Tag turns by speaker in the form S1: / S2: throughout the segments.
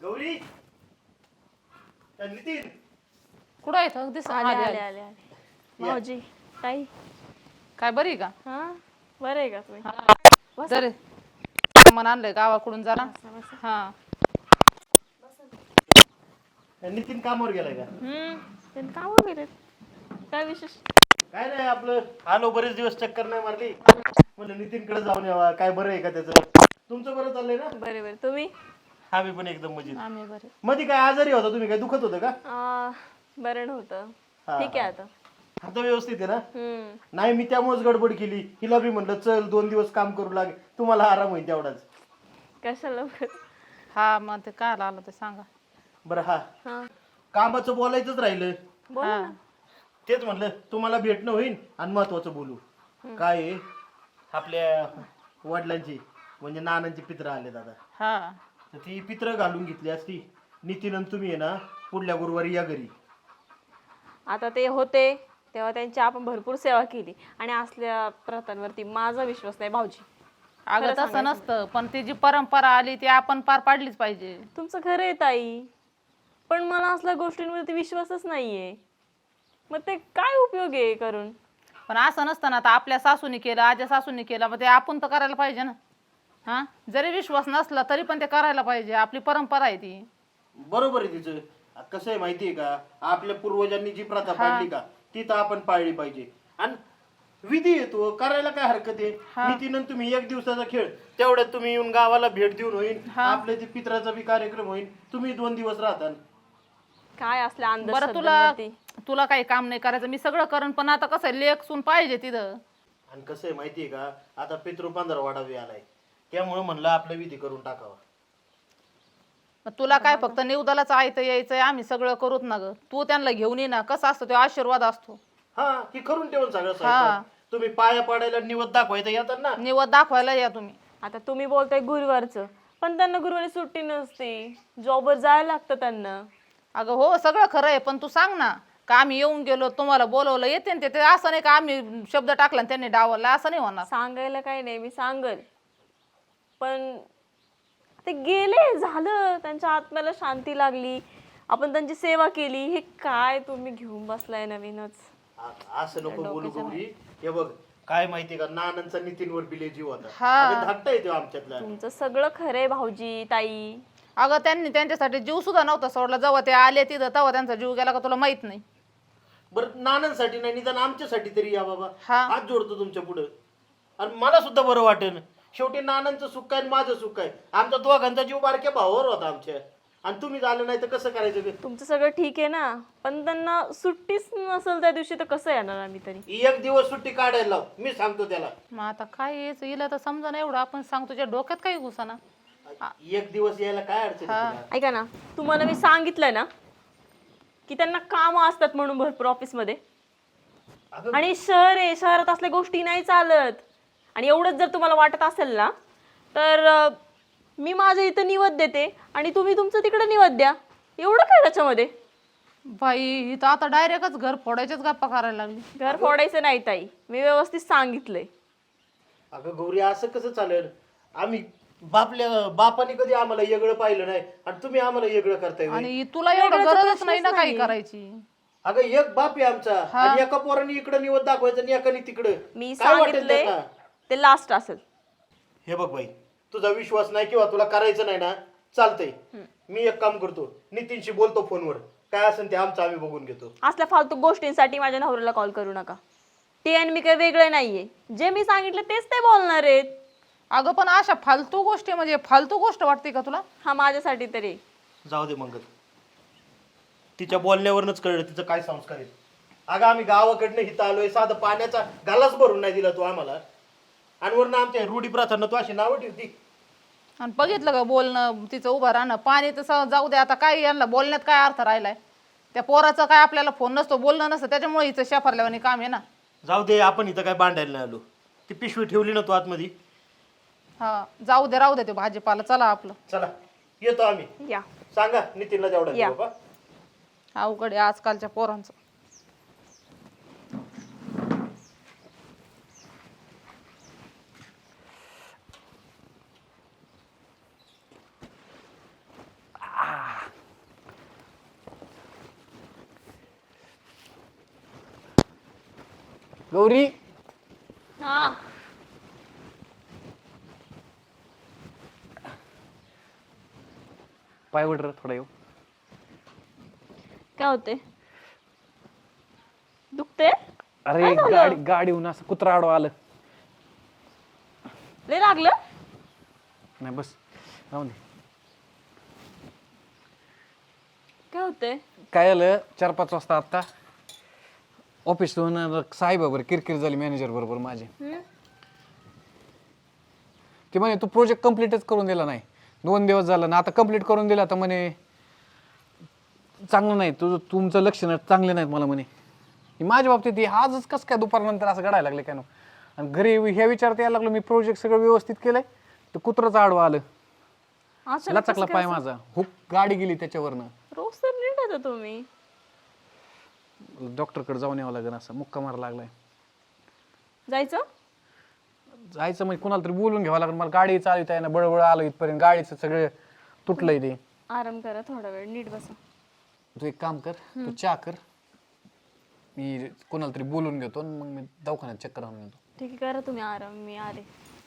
S1: गौरी नितीन
S2: कुठं आहे तो? दिस
S3: आले
S2: आले
S3: आले
S2: आले.
S3: आले आले भाऊजी ताई
S2: काय बरी आहे का?
S3: हा बरं आहे का तुम्ही बसा.
S2: जरे सामान आणलंय गावाकडून जरा.
S3: बसा, बसा.
S2: हा
S1: नितीन कामावर गेलाय का?
S3: त्यांनी कामावर गेलेत. काय विशेष?
S1: काय नाही आपलं आलो बरेच दिवस चक्कर नाही मारली म्हणलं नितीनकडे जाऊन यावा. काय बरं आहे का त्याचं? तुमचं बरं चाललंय ना?
S3: बरे बरे तुम्ही
S1: आम्ही पण एकदम मजेत.
S2: आम्ही बरे.
S1: मध्ये काय आजारी होता तुम्ही? काय दुखत होतं का?
S3: बरं नव्हतं
S1: हा,
S3: ठीक आहे आता.
S1: आता व्यवस्थित आहे ना?
S3: हम्म
S1: नाही मी त्यामुळेच गडबड केली. हिला बी म्हणलं चल 2 दिवस काम करू लागे, तुम्हाला आराम होईल तेवढाच.
S3: कशाला उगाच?
S2: हा मग ते काय आलं ते सांगा.
S1: बरं हा
S3: हा
S1: कामाचं बोलायचंच राहिलं.
S3: बोला
S2: हा
S3: ना.
S1: तेच म्हणलं तुम्हाला भेटणं होईल आणि महत्वाचं बोलू. काय आहे, आपल्या वडिलांची म्हणजे नानांची पित्र आले दादा.
S2: हा
S1: तर ती पित्र घालून घेतली असती. नितीन आणि तुम्ही आहे ना पुढल्या गुरुवारी या घरी.
S3: आता ते होते तेव्हा त्यांची आपण भरपूर सेवा केली आणि असल्या प्रथांवरती माझा विश्वास नाही भाऊजी.
S2: अगं तसं नसतं, पण ती जी परंपरा आली ती आपण पार पाडलीच पाहिजे.
S3: तुमचं खरं आहे ताई, पण मला असल्या गोष्टींवरती विश्वासच नाहीये. मग ते काय उपयोग आहे करून?
S2: पण असं नसतं ना, आता आपल्या सासूने केलं, आज्या सासूने केलं, मग ते आपण तर करायला पाहिजे ना. हा जरी विश्वास नसला तरी पण ते करायला पाहिजे. आपली परंपरा आहे ती.
S1: बरोबर आहे तिचं. कसं आहे माहितीये का, आपल्या पूर्वजांनी जी प्रथा पाळली का ती तर आपण पाळली पाहिजे. आणि विधी येतो करायला काय हरकत आहे. नितीन आणि तुम्ही 1 दिवसाचा खेळ, तेवढ्यात तुम्ही येऊन गावाला भेट देऊन होईल. आपल्या ते पित्राचा बी कार्यक्रम होईल. तुम्ही 2 दिवस राहता.
S3: काय असल्या
S2: बरं तुला काही काम नाही करायचं, मी सगळं करण. पण आता कसं आहे, लेख सून पाहिजे तिथं.
S1: आणि कसं आहे माहितीये का, आता पितृ 15 वाढावी आलाय, त्यामुळे म्हणलं आपलं विधी करून टाकावा.
S2: मग तुला काय फक्त निवदालाच आयतं यायचंय, आम्ही सगळं करूत ना ग. तू त्यांना घेऊन ये ना. कसं असतं तो आशीर्वाद असतो.
S1: हा की करून ठेवून सगळं स्वयंपाक. तुम्ही पाया पाडायला निवद दाखवायचं येतात ना.
S2: निवद दाखवायला या तुम्ही.
S3: आता तुम्ही बोलताय गुरुवारचं, पण त्यांना गुरुवारी सुट्टी नसते, जॉबवर जायला लागतं त्यांना.
S2: अगं हो सगळं खरं आहे, पण तू सांग ना का आम्ही येऊन गेलो, तुम्हाला बोलवलं, येते ना ते. असं नाही का आम्ही शब्द टाकला आणि त्यांनी डावलला, असं नाही होणार.
S3: सांगायला काही नाही, मी सांगल, पण ते गेले झालं. त्यांच्या आत्म्याला शांती लागली, आपण त्यांची सेवा केली. हे काय तुम्ही घेऊन बसलाय नवीनच?
S1: असं नको बोलू गौरी. हे बघ काय माहितीये का, नानांचा नितीनवर बिले जीव होता.
S2: हा.
S1: धाकटा येतो आमच्यातला.
S3: तुमचं सगळं खरंय भाऊजी ताई.
S2: अगं त्यांनी त्यांच्यासाठी जीव सुद्धा नव्हता सोडला. जेव्हा ते आले तिथं तेव्हा त्यांचा जीव गेला का तुला माहित नाही?
S1: बरं नानांसाठी नाही निदान आमच्यासाठी तरी या बाबा.
S2: हा.
S1: हात जोडतो तुमच्या पुढे. आणि मला सुद्धा बरं वाटेल. शेवटी नानांचं सुख आहे आणि माझं सुख आहे. आमच्या दोघांचा जीव बारक्या भावावर होता आमच्या. आणि तुम्ही झालं नाही तर कसं करायचं ग?
S3: तुमचं सगळं ठीक आहे ना, पण त्यांना सुट्टीच नसेल त्या दिवशी तर कसं येणार आम्ही तरी?
S1: 1 दिवस सुट्टी काढायला लाव, मी सांगतो त्याला.
S2: मग आता काय यायचं हिला तर समजा ना. एवढं आपण सांगतो, तुझ्या डोक्यात काही घुसाना.
S1: 1 दिवस यायला काय अडचण आहे तुला?
S3: ऐका ना, तुम्हाला मी सांगितलंय ना की त्यांना कामं असतात म्हणून भरपूर ऑफिसमध्ये.
S1: अगं
S3: आणि शहर आहे, शहरात असल्या गोष्टी नाही चालत. आणि एवढंच जर तुम्हाला वाटत असेल ना, तर मी माझं इथं निवद देते आणि तुम्ही तुमचं तिकडे निवद द्या. एवढं काय त्याच्यामध्ये?
S2: बाई ही तर आता डायरेक्टच घर फोडायच्याच गप्पा करायला लागली.
S3: घर फोडायचं नाही ताई, मी व्यवस्थित सांगितलंय.
S1: अगं गौरी असं कसं चालेल? आम्ही बापाने कधी आम्हाला वेगळं पाहिलं नाही आणि तुम्ही आम्हाला वेगळं करताय होय?
S2: आणि तुला एवढं गरजच नाही ना काही करायची.
S1: अगं एक बाप आहे आमचा आणि एका पोराने इकडे निवड दाखवायचं आणि एकाने तिकडे.
S3: मी
S1: काय वाटेल
S3: सांगितलंय
S1: त्याला?
S3: ते लास्ट असेल.
S1: हे बघ बाई, तुझा विश्वास नाही किंवा तुला करायचं नाही ना, चालतंय. मी एक काम करतो, नितीनशी बोलतो फोनवर. काय असेल ते आमचं आम्ही बघून घेतो.
S3: असल्या फालतू गोष्टींसाठी माझ्या नवऱ्याला कॉल करू नका. ते आणि मी काही वेगळं नाहीये. जे मी सांगितलं तेच ते बोलणार आहेत.
S2: अगं पण अशा फालतू गोष्टी म्हणजे फालतू गोष्ट वाटते का तुला?
S3: हा माझ्यासाठी तरी.
S1: जाऊ दे मंगल, तिच्या बोलण्यावरच कळलं तिचं काय संस्कार आहेत. अगं आम्ही गावाकडनं हिथं आलोय, साधं पाण्याचा गालाच भरून नाही दिला तू आम्हाला. आणि वरनं आमच्या रूढी प्रथांना तू अशी नावं ठेवती.
S2: आणि बघितलं का बोलणं तिचं उभं राहणं. पाणी तर जाऊ दे, आता काय यांना बोलण्यात काय अर्थ राहिलाय? त्या पोराचं काय आपल्याला फोन नसतो, बोलणं नसतं, त्याच्यामुळे हिचं शेफारल्यावानी काम आहे ना.
S1: जाऊ दे, आपण इथं काय भांडायला नाही आलो. ती पिशवी ठेवली ना तू आतमध्ये.
S2: हा जाऊ दे, राहू दे ते भाजीपाला. चला आपलं.
S1: चला येतो आम्ही.
S3: या
S1: सांगा नितीनला तेवढा
S3: या.
S1: बाबा.
S2: अवघड आहे आजकालच्या पोरांचं.
S4: गौरी
S3: हा
S4: पाय वडर थोडा येऊ.
S3: काय होते दुखते
S4: अरे गाडीहून असं कुत्रा आडवा आलं.
S3: लय लागलं
S4: नाही बस राहून दे.
S3: काय होते
S4: काय झालं 4-5 वाजता आता ऑफिसहून साहेबाबर किरकिर झाली मॅनेजर बरोबर माझी. ते म्हणे तू प्रोजेक्ट कम्प्लीटच करून दिला नाही. 2 दिवस झालं ना आता कम्प्लीट करून दिला तर म्हणे चांगलं नाही तुमचं लक्ष चांगले नाहीत मला म्हणे. माझ्या बाबतीत आजच कसं काय दुपारनंतर असं घडायला लागले काय ना. आणि घरी ह्या विचारात यायला लागलो मी प्रोजेक्ट सगळं व्यवस्थित केलंय तर कुत्रच आडवा आलं. लचकला पाय माझा. हुक गाडी गेली त्याच्यावरनं.
S3: रोज तर नीट येतो तुम्ही.
S4: डॉक्टरकडे जाऊन यावं लागेल. असं मुक्का मारा लागलाय.
S3: जायचं
S4: म्हणजे कुणाला तरी बोलून घ्यावं लागेल. मला गाडी चालवता आहे ना बळबळ आलो इथपर्यंत गाडीचं सगळं तुटलंय ते.
S3: आराम करा थोडा वेळ नीट बसा.
S4: तू एक काम कर तू चहा कर मी कोणाला तरी बोलून घेतो मग मी दवाखान्यात चक्कर आणून येतो.
S3: ठीक आहे करा तुम्ही आराम मी आले.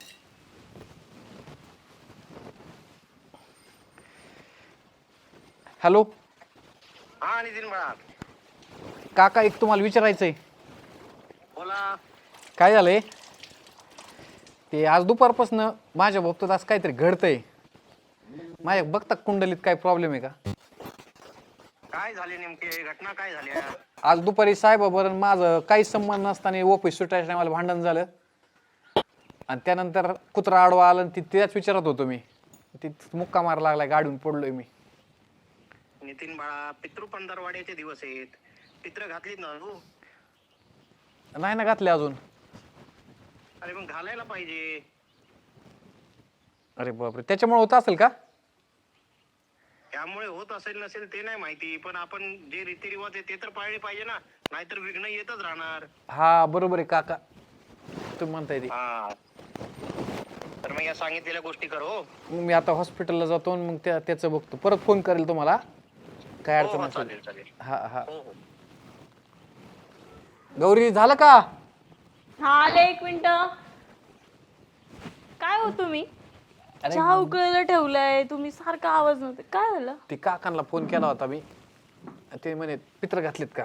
S4: हॅलो
S1: हा नितीन बाळा
S4: काका एक तुम्हाला विचारायचंय.
S1: बोला.
S4: काय झालंय ते आज दुपारपासून माझ्या बाबतीत आज काहीतरी घडतंय. माझ्या बघता कुंडलीत काय प्रॉब्लेम आहे का.
S1: काय झाले नेमके घटना काय झाली.
S4: आज दुपारी साहेबाबरोबर माझं काही संबंध नसताना ऑफिस सुटायच्या मला भांडण झालं आणि त्यानंतर कुत्रा आडवा आला आणि त्याच विचारत होतो मी. ती मुक्का मारा लागलाय गाडीहून पडलोय मी.
S1: नितीन बाळा पितृ पंधरवाड्याचे दिवस आहेत. पित्र घातलीत ना तू.
S4: नाही ना घातले अजून.
S1: अरे मग घालायला पाहिजे.
S4: अरे बापरे त्याच्यामुळे होत असेल का.
S1: त्यामुळे होत असेल नसेल ते नाही माहिती पण आपण जे रीतिरिवाज आहे ते तर पाळले पाहिजे ना. नाहीतर विघ्न येतच राहणार.
S4: हा बरोबर आहे काका तुम्ही म्हणताय ते.
S1: हा तर मग या सांगितलेल्या गोष्टी कर. हो
S4: मग मी आता हॉस्पिटलला जातो मग त्याचं बघतो परत फोन करेल तुम्हाला काय अडचण
S1: हो,
S4: असेल.
S1: चालेल चालेल.
S4: हा हा
S1: हो हो
S4: गौरी झालं का.
S3: हा आले 1 मिनिट. काय हो तुम्ही चहा उकळायला ठेवलाय तुम्ही सारखा आवाज नव्हते काय झालं.
S4: ते काकांना फोन केला होता मी ते म्हणे पित्र घातलेत का.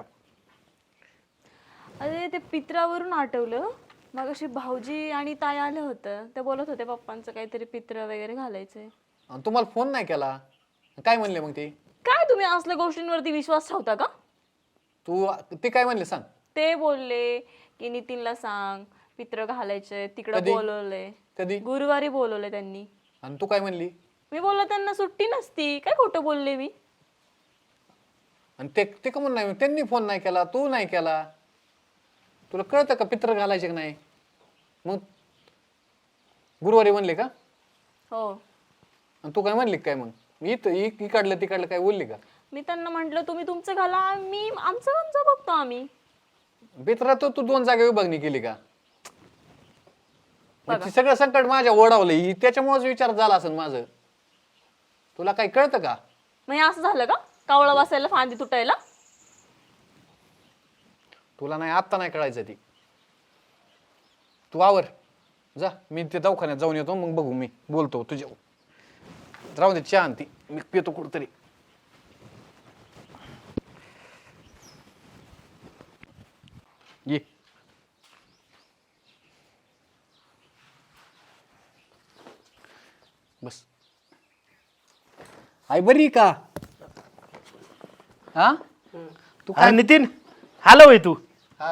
S3: अरे ते पित्रावरून आठवलं मग अशी भाऊजी आणि ताई आले होतं ते बोलत होते पप्पांचं काहीतरी पित्र वगैरे घालायचंय.
S4: आणि तुम्हाला फोन नाही केला काय म्हणले मग ते.
S3: काय तुम्ही असल्या गोष्टींवरती विश्वास ठेवता का.
S4: तू ते काय म्हणले सांग.
S3: ते बोलले की नितीनला सांग पित्र घालायचंय तिकडं
S4: कधी?
S3: बोलवलंय.
S4: कधी
S3: गुरुवारी बोलवलंय त्यांनी.
S4: आणि तू काय म्हणली.
S3: मी बोललो त्यांना सुट्टी नसती काय खोटं बोलले मी.
S4: आणि ते का म्हणून नाही त्यांनी फोन नाही केला तू नाही केला. तुला कळतं का पित्र घालायचे का नाही. मग गुरुवारी म्हणले का.
S3: हो
S4: आणि तू काय म्हणली काय मग इकडलं तिकडलं काय बोलली का.
S3: मी त्यांना म्हंटल तुम्ही तुमचं घाला मी आमचं बघतो आम्ही.
S4: पित्रा तू 2 जागा विभागणी केली का. सगळं संकट माझ्या ओढावलं त्याच्यामुळेच विचार झाला असेल माझं. तुला काही कळतं का.
S3: मग हे असं झालं का कावळा बसायला फांदी तुटायला.
S4: तुला नाही आत्ता नाही कळायचं ती. तू आवर जा मी ते दवाखान्यात जाऊन येतो मग बघू मी बोलतो तुझ्या. राहू दे चहा आणती मी पितो कुठतरी. ये बस. आई बरी का. हा तू
S1: अरे नितीन हॅलो होय तू.
S4: हा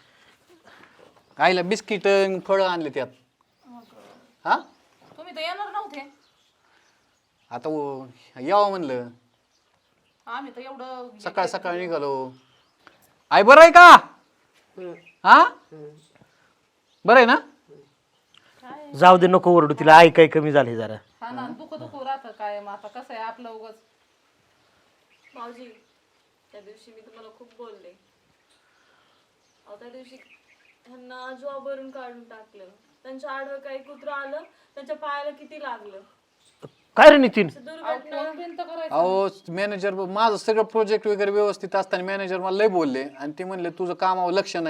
S4: आईला बिस्किट फळं आणले त्यात. हा
S2: तुम्ही तर येणार नव्हते.
S4: आता यावं म्हणलं
S2: आम्ही तर एवढं
S4: सकाळ सकाळ निघालो. आई बरं आहे का. हा बरं आहे ना.
S1: जाऊ दे नको ओरडू तिला. आई काय कमी झाली जरा.
S2: हा ना दुख राहतं काय मग आता कसं आहे आपलं उगाच.
S3: भाऊजी त्या दिवशी मी तुम्हाला खूप बोलले. त्या दिवशी त्यांना जॉबवरून काढून टाकलं. त्यांच्या आडवं काही कुत्रं आलं त्यांच्या पायाला किती लागलं.
S1: काय रे नितीन.
S3: दुर्घटना
S4: अहो मॅनेजर माझं सगळं प्रोजेक्ट वगैरे व्यवस्थित असताना मॅनेजर मला लय बोलले आणि ते म्हणले तुझं कामावर लक्ष नाही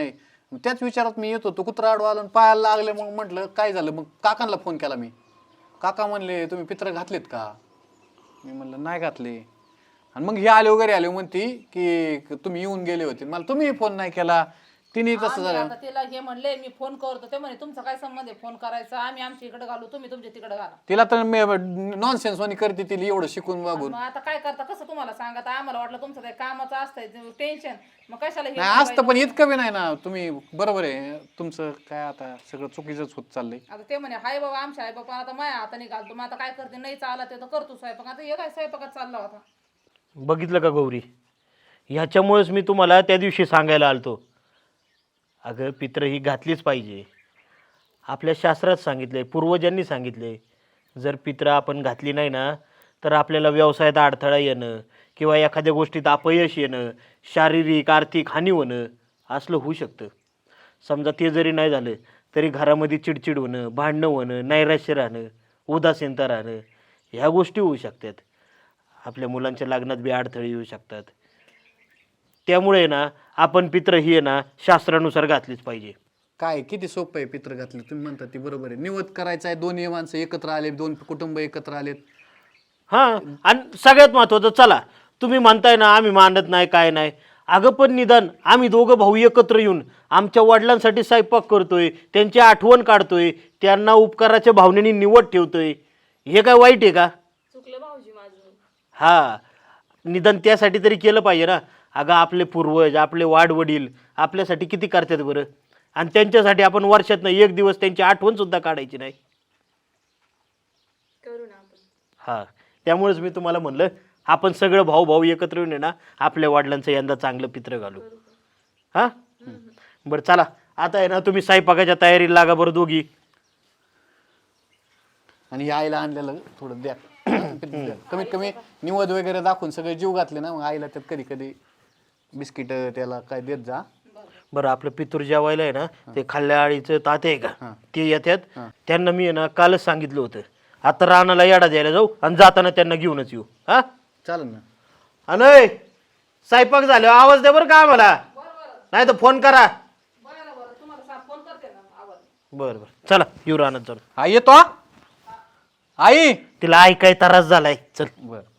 S4: मग त्याच विचारात मी येत होतो, कुत्रा आडवा आला आणि पायाला लागले. मग म्हटलं काय झालं, मग काकांना फोन केला मी. काका म्हणले तुम्ही पित्र घातलेत का? मी म्हणलं नाही घातले. आणि मग हे आले वगैरे आले म्हणते की तुम्ही येऊन गेले होते. मला तुम्ही फोन नाही केला. तिने तसं
S2: आम्ही
S4: झालं.
S2: आता तिला हे म्हणले मी फोन करतो, ते म्हणे तुमचा काय संबंध आहे फोन करायचा, आम्ही आमच्या इकडे घालू, तुम्ही तुमच्या तिकडे घाला.
S4: तिला तर नॉनसेन्स वाणी करते तिला एवढं शिकून वागून.
S2: मग आता काय करता, कसं तुम्हाला सांगा, आता आम्हाला वाटलं तुमचं काही कामाचं असतंय टेन्शन, मग कशाला हे
S4: नाही असतं, पण इतकं बी नाही ना. तुम्ही बरोबर आहे तुमचं, काय आता सगळं चुकीचंच होत चाललंय.
S2: आता ते म्हणे हाय बाबा आमच्या आई बाबा आता माया हाताने घालतो, मग आता काय करते, नाही चालला ते तर करतो स्वयंपाक. आता हे काय स्वयंपाकात चालला होता.
S1: बघितलं का गौरी, ह्याच्यामुळेच मी तुम्हाला त्या दिवशी सांगायला आलतो, अगं पित्र ही घातलीच पाहिजे. आपल्या शास्त्रात सांगितले, पूर्वजांनी सांगितले, जर पित्र आपण घातली नाही ना तर आपल्याला व्यवसायात अडथळा येणं किंवा एखाद्या गोष्टीत अपयश येणं, शारीरिक आर्थिक हानी होणं असलं होऊ शकतं. समजा ते जरी नाही झालं तरी घरामध्ये चिडचिड होणं, भांडणं होणं, नैराश्य राहणं, उदासीनता राहणं, ह्या गोष्टी होऊ शकतात. आपल्या मुलांच्या लग्नात बी अडथळे येऊ शकतात. त्यामुळे ना आपण पित्र ही आहे ना शास्त्रानुसार घातलीच पाहिजे.
S4: काय किती सोपं आहे पित्र घातले. तुम्ही म्हणता ते बरोबर आहे. निवद करायचं आहे, दोन्ही माणसं एकत्र आले, दोन कुटुंब एकत्र आलेत.
S1: हां, आणि सगळ्यात महत्त्वाचं, चला तुम्ही म्हणताय ना आम्ही मानत नाही काय नाही, अगं पण निदान आम्ही दोघं भाऊ एकत्र येऊन आमच्या वडिलांसाठी स्वयंपाक करतोय, त्यांची आठवण काढतोय, त्यांना उपकाराच्या भावनेने निवड ठेवतोय, हे काय वाईट आहे का?
S3: चुकलं भाऊजी माझं.
S1: हा, निदान त्यासाठी तरी केलं पाहिजे ना. अगं आपले पूर्वज, आपले वाडवडील आपल्यासाठी किती करतात बरं, आणि त्यांच्यासाठी आपण वर्षातनं एक दिवस त्यांची आठवण सुद्धा काढायची नाही.
S3: करू ना आपण.
S1: हा, त्यामुळेच मी तुम्हाला म्हणलं आपण सगळं भाऊ भाऊ एकत्र येऊन आहे ना आपल्या वडिलांचं यंदा चांगलं पित्र घालू. हा, बरं चला आता आहे ना तुम्ही स्वयंपाकाच्या तयारीला लागा बरं दोघी.
S4: आणि या आईला आणलेलं थोडं द्या. कमीत कमी निवद वगैरे दाखवून सगळे जीव घातले ना, मग आईला त्यात कधी कधी बिस्किट त्याला काय देत जा.
S1: बरं, आपलं पितूर जेवायला आहे ना ते खाल्ल्या आळीचं ताते आहे का ते येतात, त्यांना मी आहे ना कालच सांगितलं होतं, आता रानाला येडा द्यायला जाऊ आणि जाताना त्यांना घेऊनच येऊ. हा
S4: चालेल ना.
S1: अनय स्वयंपाक झाल्यावर आवाज द्या बरं का आम्हाला, नाही तर फोन करा. बरं बरं चला येऊ रानात जाऊन.
S4: आई येतो. आई
S1: तिला ऐकाय त्रास झालाय, चल.
S4: बरं.